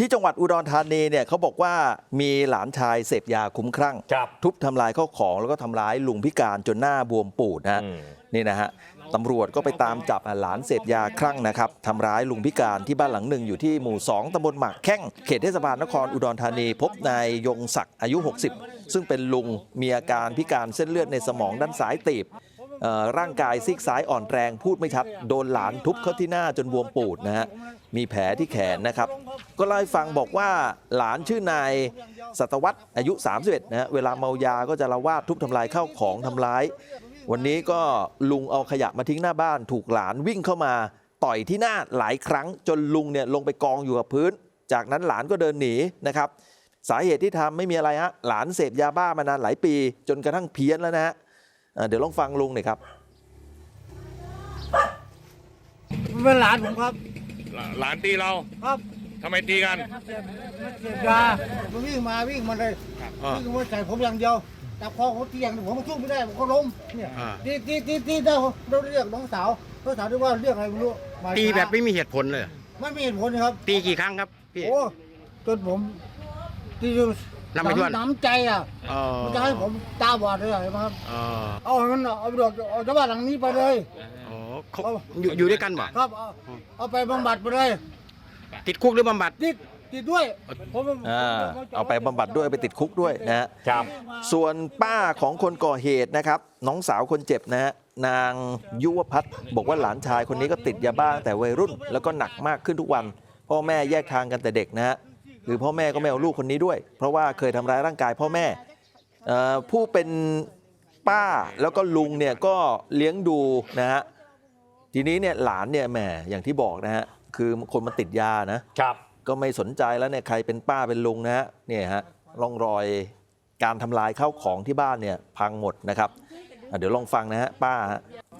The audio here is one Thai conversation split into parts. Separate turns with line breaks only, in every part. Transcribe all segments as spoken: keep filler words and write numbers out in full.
ที่จังหวัดอุดรธานีเนี่ยเขาบอกว่ามีหลานชายเสพยาคุ้มคลั่งทุบทำลายข้าวของแล้วก็ทำร้ายลุงพิการจนหน้าบวมปูดนะฮะนี่นะฮะตำรวจก็ไปตามจับหลานเสพยาคลั่งนะครับทำร้ายลุงพิการที่บ้านหลังหนึ่งอยู่ที่หมู่สองตำบลหมากแข้งเขตเทศบาลนครอุดรธานีพบนายยงศักดิ์อายุหกสิบซึ่งเป็นลุงมีอาการพิการเส้นเลือดในสมองด้านซ้ายตีบร่างกายซีกซ้ายอ่อนแรงพูดไม่ชัดโดนหลานทุบเข้าที่หน้าจนบวมปูดนะฮะมีแผลที่แขนนะครับก็เล่าให้ฟังบอกว่าหลานชื่อนายสัตวัฒน์อายุสามสิบเอ็ดนะฮะเวลาเมายาก็จะละวาดทุบทำลายข้าวของทำร้ายวันนี้ก็ลุงเอาขยะมาทิ้งหน้าบ้านถูกหลานวิ่งเข้ามาต่อยที่หน้าหลายครั้งจนลุงเนี่ยลงไปกองอยู่กับพื้นจากนั้นหลานก็เดินหนีนะครับสาเหตุที่ทำไม่มีอะไรฮะหลานเสพยาบ้ามานานหลายปีจนกระทั่งเพี้ยนแล้วนะฮะเดี๋ยวลองฟังลุงหน่อยครับ
เป็นหลานผมครับ
หลานตีเรา
ครับ
ทำไมตีกัน
เสพยามันวิ่งมาวิ่งมาเลยวิ่งมาใส่ผมอย่างเดียวจับคอผมตีอย่างผมสู้ไม่ได้ผมก็ล้มเนี่ยตีตีตีตีเราเราเรียกน้องสาวน้องสาวที่ว่าเรียกอะไรไม่รู้
ตีแบบไม่มีเหตุผลเลย
ไม่มีเหตุผลครับ
ตีกี่ครั้งครับพี่
โอ้จนผมตีจนน้ำใจอ่ะมันจะให้ผมตาบอดเลยใช่ไหมครับเอามันเอาไปเอาจากบ้านหลังนี้ไปเลย
เขาอยู่ด้วยกันบ่
ครับเอาไปบำบัดไปเลย
ติดคุกหรือบำบัด
ติดติดด้วย
เอาไปบำบัดด้วยไปติดคุกด้วยนะฮะส่วนป้าของคนก่อเหตุนะครับน้องสาวคนเจ็บนะฮะนางยุวพัฒน์บอกว่าหลานชายคนนี้ก็ติดยาบ้าแต่วัยรุ่นแล้วก็หนักมากขึ้นทุกวันพ่อแม่แยกทางกันแต่เด็กนะฮะคือพ่อแม่ก็ไม่เอาลูกคนนี้ด้วยเพราะว่าเคยทำร้ายร่างกายพ่อแม่ผู้เป็นป้าแล้วก็ลุงเนี่ยก็เลี้ยงดูนะฮะทีนี้เนี่ยหลานเนี่ยแหมอย่างที่บอกนะฮะคือคนมันติดยานะครับก็ไม่สนใจแล้วเนี่ยใครเป็นป้าเป็นลุงนะฮะเนี่ยฮะร่องรอยการทำลายข้าวของที่บ้านเนี่ยพังหมดนะครับเดี๋ยวลองฟังนะฮะป้าฮะ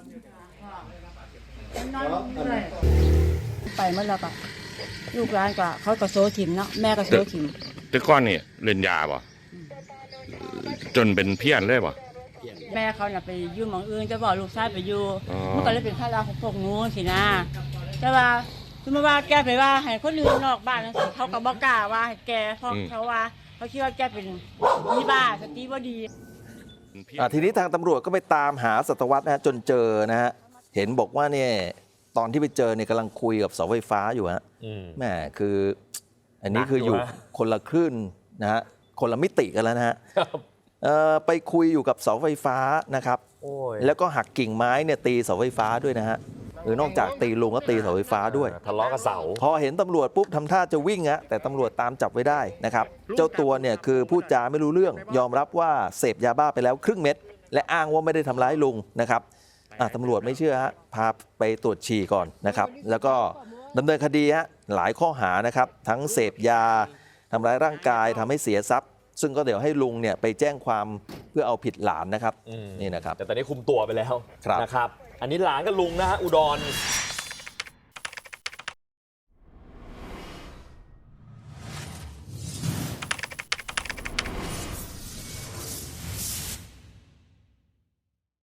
ไปเมื่อแล้วก็ลูกร้านก็เขาก็โซถิ่มเนาะแม่ก็โซถิ่ม
แต่ก้อนนี่เล่นยาป่ะจนเป็นเพี้ยนเลยป่ะ
แม่เขาเนี่ยไปอยู่หมองอื่นจะบอกลูกชายไปอยู่มันก็เลยเป็นข้าราชการพวกนู้นสินะแต่ว่าสมมติว่าแกไปว่าให้คนอื่นนอกบ้านนั่นสิเขาก็บอกกล้าว่าให้แกเพราะเขาว่าเขาคิดว่าแกเป็นมีบ้าสติบ่ดี
ทีนี้ทางตำรวจก็ไปตามหาสัตวัฒน์นะจนเจอนะฮะเห็นบอกว่าเนี่ยตอนที่ไปเจอเนี่ยกำลังคุยกับเสาไฟฟ้าอยู่ฮะแม่คืออันนี้คืออยู่คนละคลื่นนะฮะคนละมิติกันแล้วนะฮะไปคุยอยู่กับเสาไฟฟ้านะครับแล้วก็หักกิ่งไม้เนี่ยตีเสาไฟฟ้าด้วยนะฮะหรือนอกจากตีลุงก็ตีเสาไฟฟ้าด้วย
ทะเลาะกับเสา
พอเห็นตำรวจปุ๊บทำท่าจะวิ่งฮะแต่ตำรวจตามจับไว้ได้นะครับเจ้าตัวเนี่ยคือพูดจาไม่รู้เรื่องยอมรับว่าเสพยาบ้าไปแล้วครึ่งเม็ดและอ้างว่าไม่ได้ทำร้ายลุงนะครับตำรวจไม่เชื่อฮะพาไปตรวจฉี่ก่อนนะครับแล้วก็ดำเนินคดีฮะหลายข้อหานะครับทั้งเสพยาทำร้ายร่างกายทำให้เสียทรัพย์ซึ่งก็เดี๋ยวให้ลุงเนี่ยไปแจ้งความเพื่อเอาผิดหลานนะครับนี่นะครับ
แต่ตอนนี้คุมตัวไปแล้วนะครับอันนี้หลานกับลุงนะฮะอุดร